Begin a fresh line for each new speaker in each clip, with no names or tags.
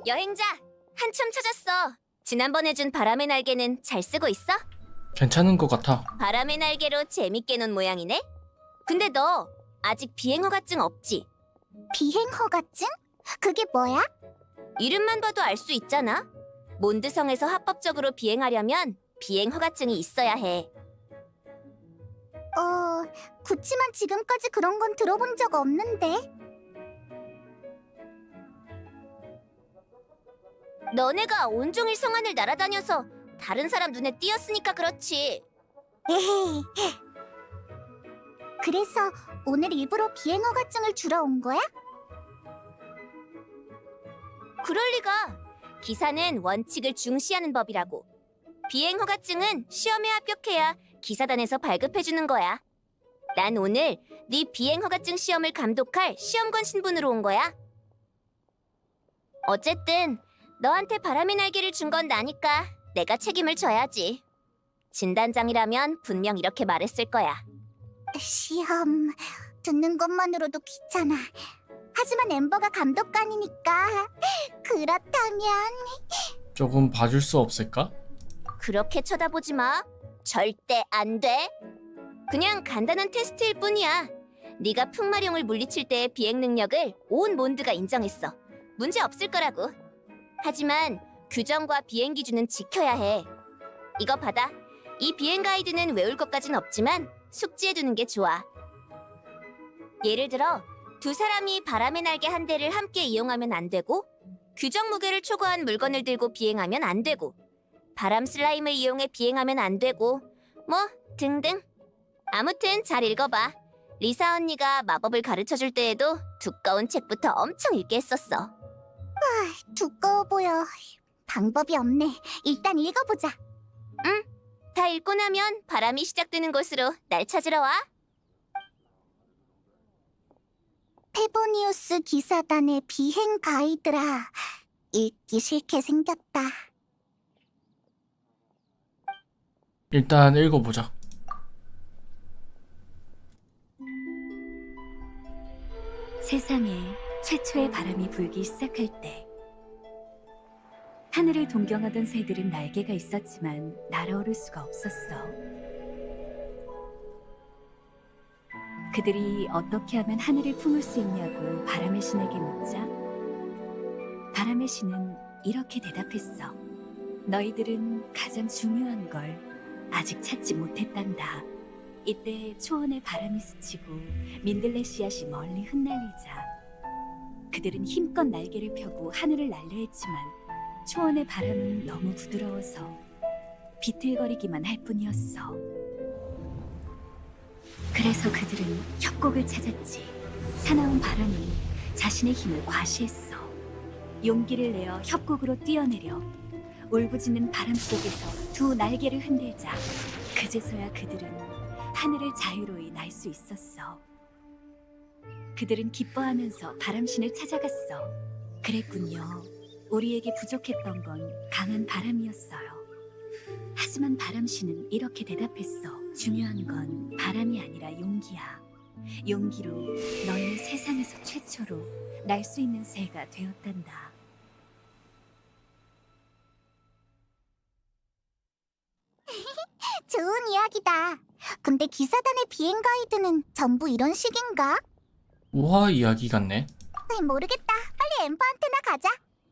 여행자, 한참 찾았어. 지난번에 준 바람의 날개는 잘 쓰고 있어?
괜찮은 것 같아.
바람의 날개로 재밌게 논 모양이네? 근데 너 아직 비행허가증 없지?
비행허가증? 그게 뭐야?
이름만 봐도 알 수 있잖아. 몬드성에서 합법적으로 비행하려면 비행허가증이 있어야 해.
그치만 지금까지 그런 건 들어본 적 없는데.
너네가 온종일 성안을 날아다녀서 다른 사람 눈에 띄었으니까 그렇지.
에헤이. 그래서 오늘 일부러 비행허가증을 주러 온 거야?
그럴 리가. 기사는 원칙을 중시하는 법이라고. 비행허가증은 시험에 합격해야 기사단에서 발급해주는 거야. 난 오늘 네 비행허가증 시험을 감독할 시험관 신분으로 온 거야. 어쨌든 너한테 바람의 날개를 준 건 나니까 내가 책임을 져야지. 진단장이라면 분명 이렇게 말했을 거야.
시험 듣는 것만으로도 귀찮아. 하지만 엠버가 감독관이니까 그렇다면
조금 봐줄 수 없을까?
그렇게 쳐다보지 마. 절대 안 돼. 그냥 간단한 테스트일 뿐이야. 네가 풍마룡을 물리칠 때의 비행 능력을 온 몬드가 인정했어. 문제 없을 거라고. 하지만 규정과 비행 기준은 지켜야 해. 이거 받아. 이 비행 가이드는 외울 것까진 없지만 숙지해두는 게 좋아. 예를 들어 두 사람이 바람의 날개 한 대를 함께 이용하면 안 되고, 규정 무게를 초과한 물건을 들고 비행하면 안 되고, 바람 슬라임을 이용해 비행하면 안 되고, 뭐 등등. 아무튼 잘 읽어봐. 리사 언니가 마법을 가르쳐줄 때에도 두꺼운 책부터 엄청 읽게 했었어.
두꺼워 보여. 방법이 없네. 일단 읽어보자.
다 읽고 나면 바람이 시작되는 곳으로 날 찾으러 와.
페보니우스 기사단의 비행 가이드라. 읽기 싫게 생겼다.
일단 읽어보자.
세상에 최초의 바람이 불기 시작할 때 하늘을 동경하던 새들은 날개가 있었지만 날아오를 수가 없었어. 그들이 어떻게 하면 하늘을 품을 수 있냐고 바람의 신에게 묻자 바람의 신은 이렇게 대답했어. 너희들은 가장 중요한 걸 아직 찾지 못했단다. 이때 초원의 바람이 스치고 민들레 씨앗이 멀리 흩날리자 그들은 힘껏 날개를 펴고 하늘을 날려 했지만 초원의 바람은 너무 부드러워서 비틀거리기만 할 뿐이었어. 그래서 그들은 협곡을 찾았지. 사나운 바람은 자신의 힘을 과시했어. 용기를 내어 협곡으로 뛰어내려 울부짖는 바람 속에서 두 날개를 흔들자 그제서야 그들은 하늘을 자유로이 날 수 있었어. 그들은 기뻐하면서 바람신을 찾아갔어. 그랬군요. 우리에게 부족했던 건 강한 바람이었어요. 하지만 바람신은 이렇게 대답했어. 중요한 건 바람이 아니라 용기야. 용기로 너희는 세상에서 최초로 날 수 있는 새가 되었단다.
좋은 이야기다. 근데 기사단의 비행 가이드는 전부 이런 식인가?
우화 이야기 같네.
모르겠다. 빨리 엠버한테나 가자.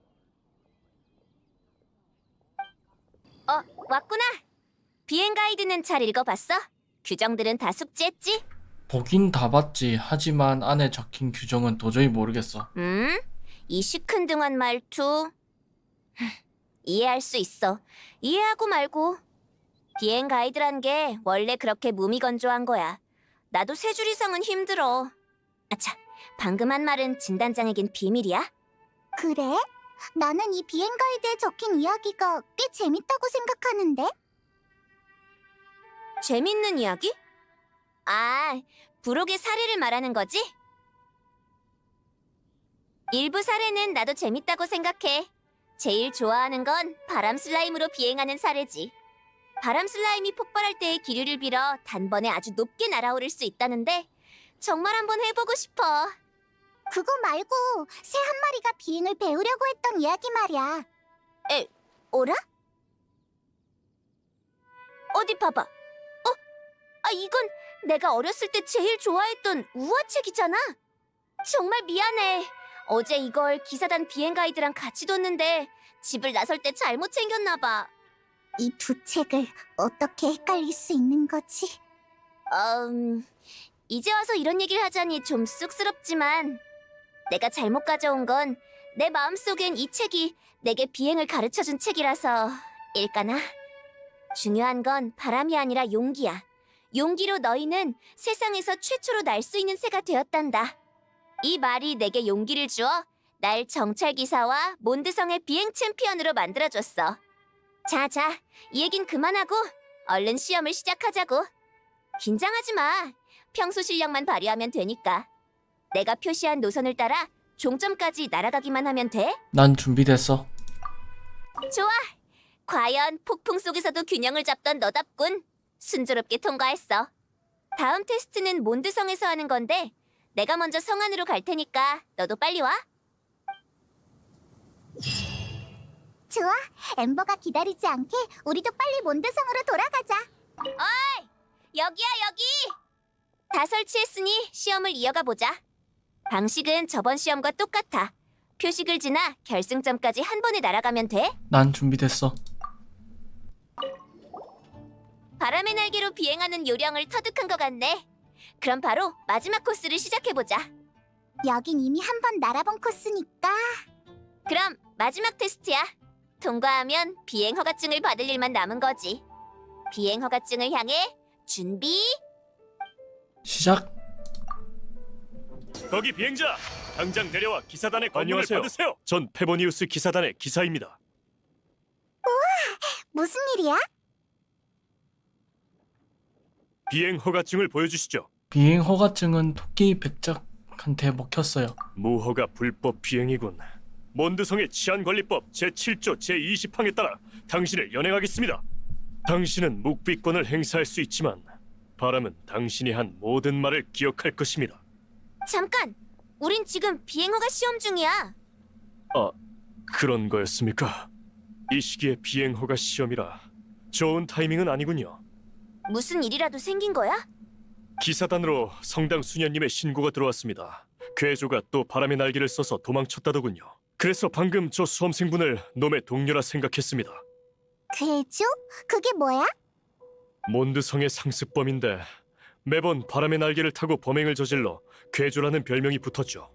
왔구나. 비행 가이드는 잘 읽어봤어? 규정들은 다 숙지했지?
보긴 다 봤지. 하지만 안에 적힌 규정은 도저히 모르겠어.
이 시큰둥한 말투. 이해할 수 있어. 이해하고 말고. 비행 가이드란 게 원래 그렇게 무미건조한 거야. 나도 세 줄 이상은 힘들어. 아차, 방금 한 말은 진단장에겐 비밀이야?
그래? 나는 이 비행 가이드에 적힌 이야기가 꽤 재밌다고 생각하는데?
재밌는 이야기? 아, 부록의 사례를 말하는 거지? 일부 사례는 나도 재밌다고 생각해. 제일 좋아하는 건 바람 슬라임으로 비행하는 사례지. 바람 슬라임이 폭발할 때의 기류를 빌어 단번에 아주 높게 날아오를 수 있다는데 정말 한번 해보고 싶어.
그거 말고 새 한 마리가 비행을 배우려고 했던 이야기 말이야.
오라? 어디 봐봐. 이건 내가 어렸을 때 제일 좋아했던 우화책이잖아. 정말 미안해. 어제 이걸 기사단 비행 가이드랑 같이 뒀는데 집을 나설 때 잘못 챙겼나 봐.
이 두 책을 어떻게 헷갈릴 수 있는 거지?
이제 와서 이런 얘기를 하자니 좀 쑥스럽지만 내가 잘못 가져온 건 내 마음속엔 이 책이 내게 비행을 가르쳐준 책이라서 일까나? 중요한 건 바람이 아니라 용기야. 용기로 너희는 세상에서 최초로 날 수 있는 새가 되었단다. 이 말이 내게 용기를 주어 날 정찰기사와 몬드성의 비행 챔피언으로 만들어줬어. 자, 이 얘긴 그만하고 얼른 시험을 시작하자고. 긴장하지 마. 평소 실력만 발휘하면 되니까. 내가 표시한 노선을 따라 종점까지 날아가기만 하면 돼.
난 준비됐어.
좋아. 과연 폭풍 속에서도 균형을 잡던 너답군. 순조롭게 통과했어. 다음 테스트는 몬드성에서 하는 건데 내가 먼저 성 안으로 갈 테니까 너도 빨리 와.
좋아. 엠버가 기다리지 않게 우리도 빨리 몬드성으로 돌아가자.
여기야 여기. 다 설치했으니 시험을 이어가 보자. 방식은 저번 시험과 똑같아. 표식을 지나 결승점까지 한 번에 날아가면 돼.
난 준비됐어.
바람의 날개로 비행하는 요령을 터득한 것 같네. 그럼 바로 마지막 코스를 시작해보자.
여긴 이미 한 번 날아본 코스니까.
그럼 마지막 테스트야. 통과하면 비행 허가증을 받을 일만 남은 거지. 비행 허가증을 향해 준비.
시작.
거기 비행자! 당장 내려와 기사단의 권유를
안녕하세요.
받으세요. 전 페보니우스 기사단의 기사입니다.
무슨 일이야?
비행 허가증을 보여주시죠.
비행 허가증은 토끼 백작한테 먹혔어요.
무허가 불법 비행이군. 몬드성의 치안관리법 제7조 제20항에 따라 당신을 연행하겠습니다. 당신은 묵비권을 행사할 수 있지만 바람은 당신이 한 모든 말을 기억할 것입니다.
잠깐! 우린 지금 비행 허가 시험 중이야.
그런 거였습니까? 이 시기에 비행 허가 시험이라 좋은 타이밍은 아니군요.
무슨 일이라도 생긴 거야?
기사단으로 성당 수녀님의 신고가 들어왔습니다. 괴조가 또 바람의 날개를 써서 도망쳤다더군요. 그래서 방금 저 수험생분을 놈의 동료라 생각했습니다.
괴조? 그게 뭐야?
몬드성의 상습범인데 매번 바람의 날개를 타고 범행을 저질러 괴조라는 별명이 붙었죠.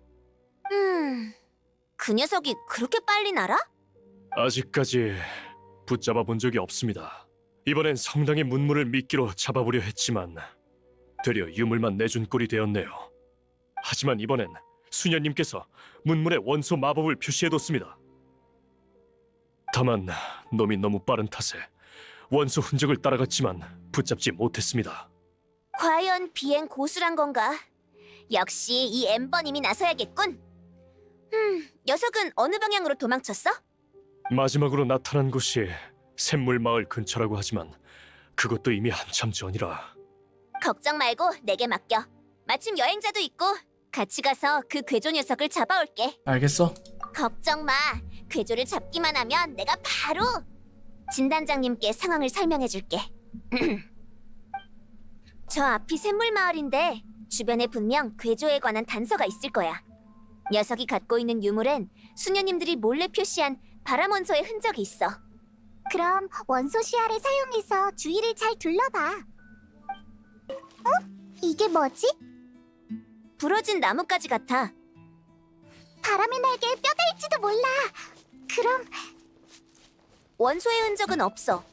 그 녀석이 그렇게 빨리 날아?
아직까지 붙잡아 본 적이 없습니다. 이번엔 성당의 문물을 미끼로 잡아보려 했지만 되려 유물만 내준 꼴이 되었네요. 하지만 이번엔 수녀님께서 문물에 원소 마법을 표시해뒀습니다. 다만 놈이 너무 빠른 탓에 원소 흔적을 따라갔지만 붙잡지 못했습니다.
과연 비행 고수란 건가? 역시 이 엠버님이 나서야겠군. 녀석은 어느 방향으로 도망쳤어?
마지막으로 나타난 곳이 샘물 마을 근처라고 하지만 그것도 이미 한참 전이라.
걱정 말고 내게 맡겨. 마침 여행자도 있고 같이 가서 그 괴조 녀석을 잡아올게.
알겠어.
걱정 마. 괴조를 잡기만 하면 내가 바로 진단장님께 상황을 설명해줄게. 저 앞이 샘물 마을인데 주변에 분명 괴조에 관한 단서가 있을 거야. 녀석이 갖고 있는 유물엔 수녀님들이 몰래 표시한 바람 원소의 흔적이 있어.
그럼 원소 시야를 사용해서 주위를 잘 둘러봐. 이게 뭐지?
부러진 나뭇가지 같아.
바람의 날개의 뼈다일지도 몰라. 그럼
원소의 흔적은 없어.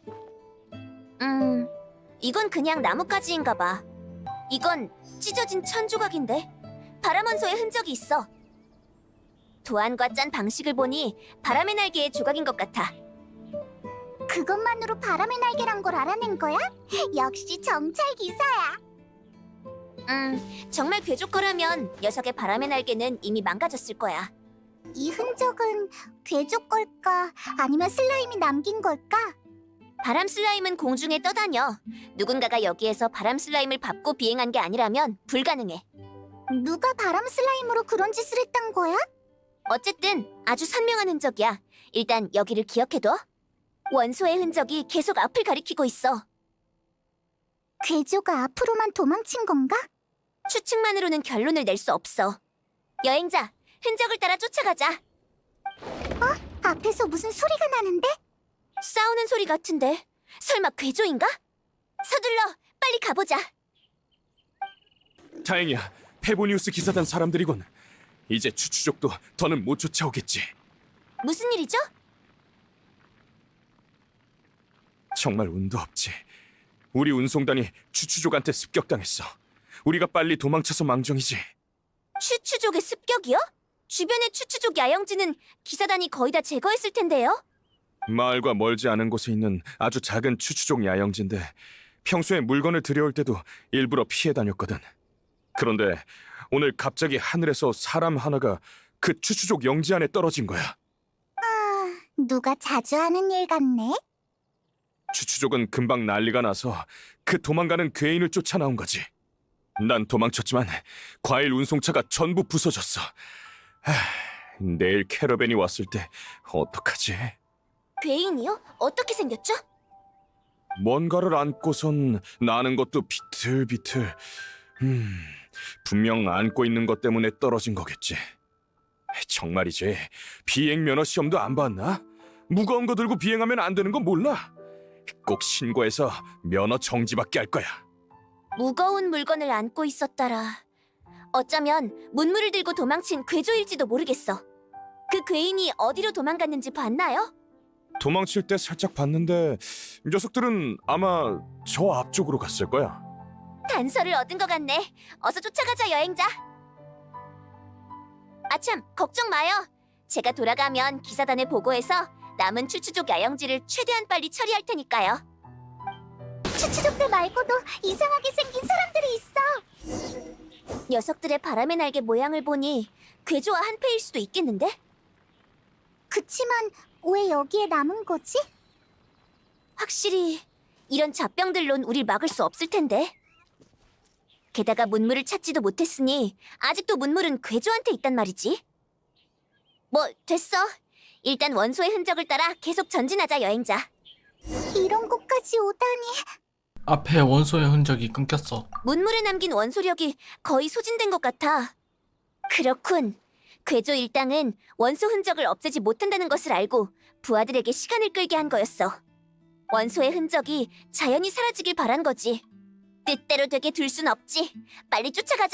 이건 그냥 나뭇가지인가 봐. 이건 찢어진 천 조각인데 바람 원소의 흔적이 있어. 도안과 짠 방식을 보니 바람의 날개의 조각인 것 같아.
그것만으로 바람의 날개란 걸 알아낸 거야? 역시 정찰 기사야.
정말 괴조 거라면 녀석의 바람의 날개는 이미 망가졌을 거야.
이 흔적은 괴조 걸까? 아니면 슬라임이 남긴 걸까?
바람 슬라임은 공중에 떠다녀. 누군가가 여기에서 바람 슬라임을 밟고 비행한 게 아니라면 불가능해.
누가 바람 슬라임으로 그런 짓을 했단 거야?
어쨌든 아주 선명한 흔적이야. 일단 여기를 기억해둬. 원소의 흔적이 계속 앞을 가리키고 있어.
괴조가 앞으로만 도망친 건가?
추측만으로는 결론을 낼 수 없어. 여행자, 흔적을 따라 쫓아가자.
앞에서 무슨 소리가 나는데?
싸우는 소리 같은데 설마 괴조인가? 서둘러, 빨리 가보자.
다행이야. 페보니우스 기사단 사람들이군. 이제 추추족도 더는 못 쫓아오겠지.
무슨 일이죠?
정말 운도 없지. 우리 운송단이 추추족한테 습격당했어. 우리가 빨리 도망쳐서 망정이지.
추추족의 습격이요? 주변의 추추족 야영지는 기사단이 거의 다 제거했을 텐데요.
마을과 멀지 않은 곳에 있는 아주 작은 추추족 야영지인데 평소에 물건을 들여올 때도 일부러 피해 다녔거든. 그런데 오늘 갑자기 하늘에서 사람 하나가 그 추추족 영지 안에 떨어진 거야.
누가 자주 하는 일 같네?
추추족은 금방 난리가 나서 그 도망가는 괴인을 쫓아 나온 거지. 난 도망쳤지만 과일 운송차가 전부 부서졌어. 내일 캐러밴이 왔을 때 어떡하지?
괴인이요? 어떻게 생겼죠?
뭔가를 안고선 나는 것도 비틀비틀. 분명 안고 있는 것 때문에 떨어진 거겠지. 정말이지. 비행 면허 시험도 안 봤나? 무거운 거 들고 비행하면 안 되는 거 몰라? 꼭 신고해서 면허 정지받게 할 거야.
무거운 물건을 안고 있었더라. 어쩌면 문물을 들고 도망친 괴조일지도 모르겠어. 그 괴인이 어디로 도망갔는지 봤나요?
도망칠 때 살짝 봤는데 녀석들은 아마 저 앞쪽으로 갔을 거야.
단서를 얻은 것 같네. 어서 쫓아가자, 여행자. 아참, 걱정 마요. 제가 돌아가면 기사단에 보고해서 남은 추추족 야영지를 최대한 빨리 처리할 테니까요.
추추족들 말고도 이상하게 생긴 사람들이 있어.
녀석들의 바람의 날개 모양을 보니 괴조와 한패일 수도 있겠는데?
그치만 왜 여기에 남은 거지?
확실히 이런 잡병들론 우릴 막을 수 없을 텐데. 게다가 문물을 찾지도 못했으니 아직도 문물은 괴조한테 있단 말이지. 뭐 됐어. 일단 원소의 흔적을 따라 계속 전진하자, 여행자.
이런 곳까지 오다니.
앞에 원소의 흔적이 끊겼어.
문물에 남긴 원소력이 거의 소진된 것 같아. 그렇군. 괴조 일당은 원소 흔적을 없애지 못한다는 것을 알고 부하들에게 시간을 끌게 한 거였어. 원소의 흔적이 자연히 사라지길 바란 거지. 뜻대로 되게 둘 순 없지. 빨리 쫓아가자.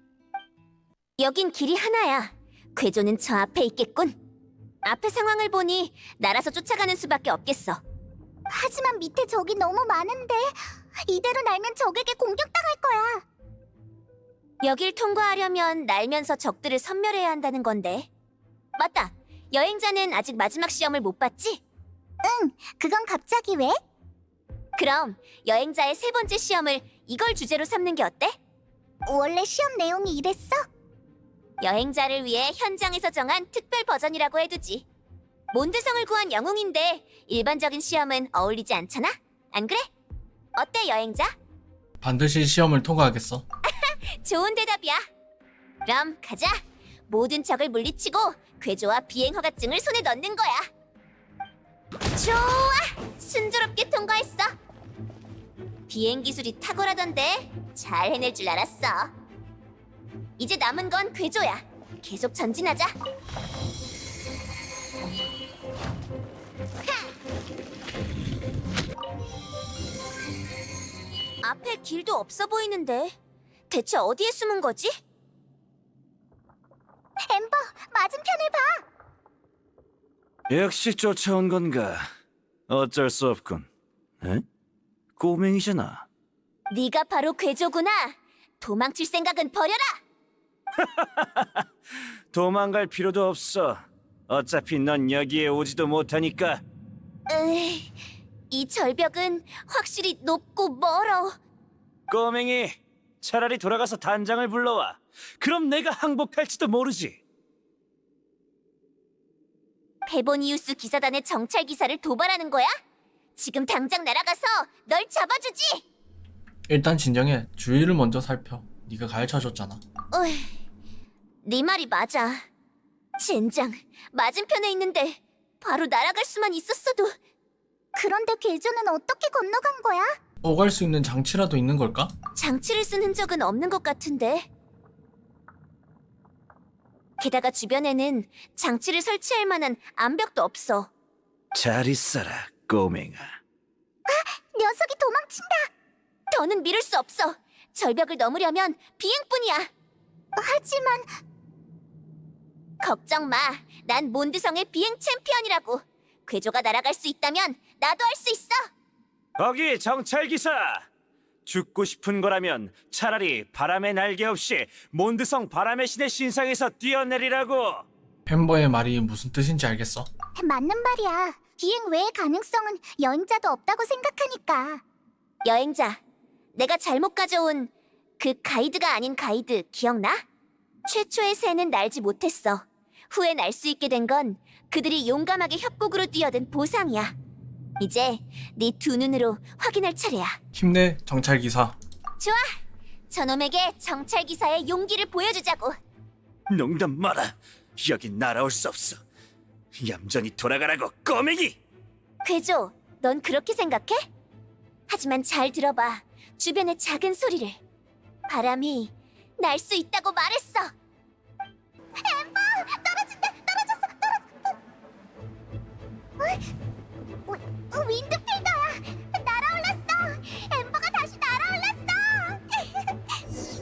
여긴 길이 하나야. 괴조는 저 앞에 있겠군. 앞의 상황을 보니 날아서 쫓아가는 수밖에 없겠어.
하지만 밑에 적이 너무 많은데 이대로 날면 적에게 공격당할 거야.
여길 통과하려면 날면서 적들을 섬멸해야 한다는 건데. 맞다. 여행자는 아직 마지막 시험을 못 봤지?
그건 갑자기 왜?
그럼 여행자의 세 번째 시험을 이걸 주제로 삼는 게 어때?
원래 시험 내용이 이랬어?
여행자를 위해 현장에서 정한 특별 버전이라고 해두지. 몬드성을 구한 영웅인데 일반적인 시험은 어울리지 않잖아? 안 그래? 어때, 여행자?
반드시 시험을 통과하겠어.
좋은 대답이야. 그럼 가자. 모든 적을 물리치고 괴조와 비행 허가증을 손에 넣는 거야. 좋아! 순조롭게 통과했어. 비행 기술이 탁월하던데 잘 해낼 줄 알았어. 이제 남은 건 괴조야. 계속 전진하자. 앞에 길도 없어 보이는데 대체 어디에 숨은 거지?
엠버, 맞은편을 봐.
역시 쫓아온 건가? 어쩔 수 없군. 에? 꼬맹이잖아.
네가 바로 괴조구나. 도망칠 생각은 버려라.
도망갈 필요도 없어. 어차피 넌 여기에 오지도 못하니까.
으이, 이 절벽은 확실히 높고 멀어.
꼬맹이, 차라리 돌아가서 단장을 불러와. 그럼 내가 항복할지도 모르지.
페보니우스 기사단의 정찰 기사를 도발하는 거야? 지금 당장 날아가서 널 잡아주지.
일단 진정해. 주위를 먼저 살펴. 네가 가르쳐줬잖아.
어이, 네 말이 맞아. 젠장, 맞은편에 있는데 바로 날아갈 수만 있었어도.
그런데 괴조는 어떻게 건너간 거야?
오갈 수 있는 장치라도 있는 걸까?
장치를 쓴 흔적은 없는 것 같은데. 게다가 주변에는 장치를 설치할 만한 암벽도 없어.
잘 있어라, 꼬맹아.
녀석이 도망친다.
더는 미룰 수 없어. 절벽을 넘으려면 비행뿐이야.
하지만
걱정 마. 난 몬드성의 비행 챔피언이라고. 괴조가 날아갈 수 있다면 나도 할 수 있어.
거기 정찰기사! 죽고 싶은 거라면 차라리 바람의 날개 없이 몬드성 바람의 신의 신상에서 뛰어내리라고!
펜버의 말이 무슨 뜻인지 알겠어?
맞는 말이야. 비행 외의 가능성은 여행자도 없다고 생각하니까.
여행자, 내가 잘못 가져온 그 가이드가 아닌 가이드 기억나? 최초의 새는 날지 못했어. 후에 날 수 있게 된 건 그들이 용감하게 협곡으로 뛰어든 보상이야. 이제 네 두 눈으로 확인할 차례야.
힘내, 정찰기사.
좋아, 저놈에게 정찰기사의 용기를 보여주자고.
농담 마라. 여긴 날아올 수 없어. 얌전히 돌아가라고, 꼬맹이!
괴조, 넌 그렇게 생각해? 하지만 잘 들어봐. 주변의 작은 소리를. 바람이 날 수 있다고 말했어.
윈드필더야. 날아올랐어. 엠버가 다시 날아올랐어.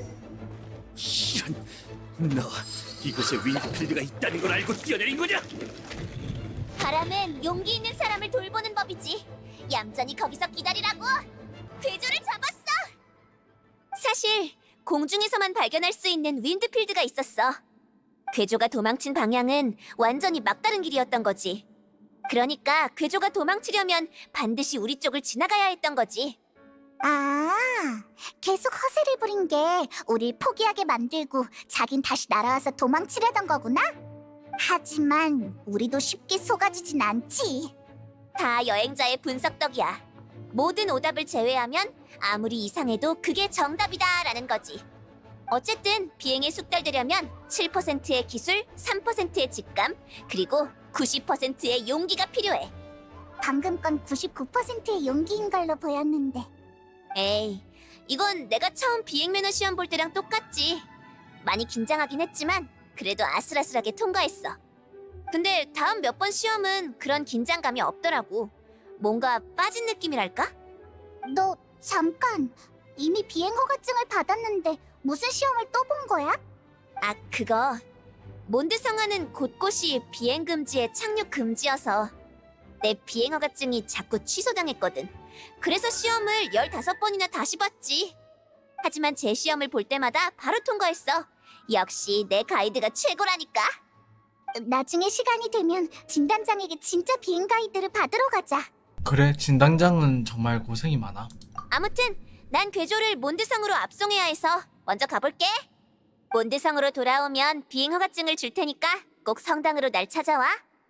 이런... 너 이곳에 윈드필드가 있다는 걸 알고 뛰어내린 거냐?
바람은 용기 있는 사람을 돌보는 법이지. 얌전히 거기서 기다리라고. 괴조를 잡았어. 사실 공중에서만 발견할 수 있는 윈드필드가 있었어. 괴조가 도망친 방향은 완전히 막다른 길이었던 거지. 그러니까 괴조가 도망치려면 반드시 우리 쪽을 지나가야 했던 거지.
아, 계속 허세를 부린 게 우릴 포기하게 만들고 자긴 다시 날아와서 도망치려던 거구나? 하지만 우리도 쉽게 속아지진 않지.
다 여행자의 분석 덕이야. 모든 오답을 제외하면 아무리 이상해도 그게 정답이다라는 거지. 어쨌든 비행에 숙달되려면 7%의 기술, 3%의 직감, 그리고 90%의 용기가 필요해.
방금 건 99%의 용기인 걸로 보였는데.
에이, 이건 내가 처음 비행 매너 시험 볼 때랑 똑같지. 많이 긴장하긴 했지만 그래도 아슬아슬하게 통과했어. 근데 다음 몇 번 시험은 그런 긴장감이 없더라고. 뭔가 빠진 느낌이랄까?
너 잠깐, 이미 비행 허가증을 받았는데 무슨 시험을 또 본 거야?
아, 그거. 몬드 성화는 곳곳이 비행 금지에 착륙 금지여서 내 비행 허가증이 자꾸 취소당했거든. 그래서 시험을 15번이나 다시 봤지. 하지만 제 시험을 볼 때마다 바로 통과했어. 역시 내 가이드가 최고라니까.
나중에 시간이 되면 진단장에게 진짜 비행 가이드를 받으러 가자.
그래, 진당장은 정말 고생이 많아.
아무튼 난 괴조를 몬드성으로 압송해야 해서 먼저 가볼게. 몬드성으로 돌아오면 비행 허가증을 줄 테니까 꼭 성당으로 날 찾아와.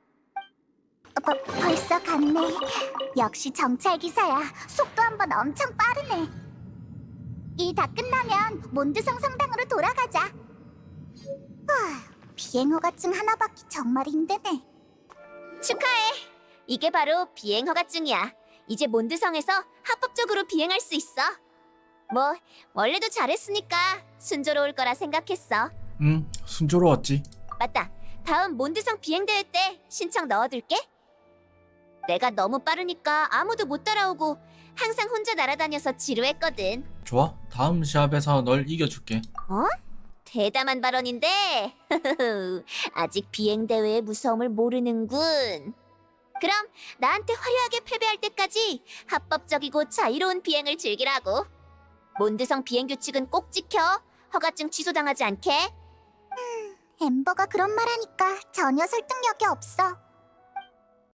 벌써 갔네. 역시 정찰 기사야. 속도 한번 엄청 빠르네. 일 다 끝나면 몬드성 성당으로 돌아가자. 비행 허가증 하나 받기 정말 힘드네.
축하해. 이게 바로 비행 허가증이야. 이제 몬드성에서 합법적으로 비행할 수 있어. 뭐 원래도 잘했으니까 순조로울 거라 생각했어.
순조로웠지.
맞다. 다음 몬드성 비행대회 때 신청 넣어둘게. 내가 너무 빠르니까 아무도 못 따라오고 항상 혼자 날아다녀서 지루했거든.
좋아, 다음 시합에서 널 이겨줄게.
대담한 발언인데 아직 비행대회의 무서움을 모르는군. 그럼 나한테 화려하게 패배할 때까지 합법적이고 자유로운 비행을 즐기라고. 몬드성 비행 규칙은 꼭 지켜. 허가증 취소당하지 않게.
엠버가 그런 말 하니까 전혀 설득력이 없어.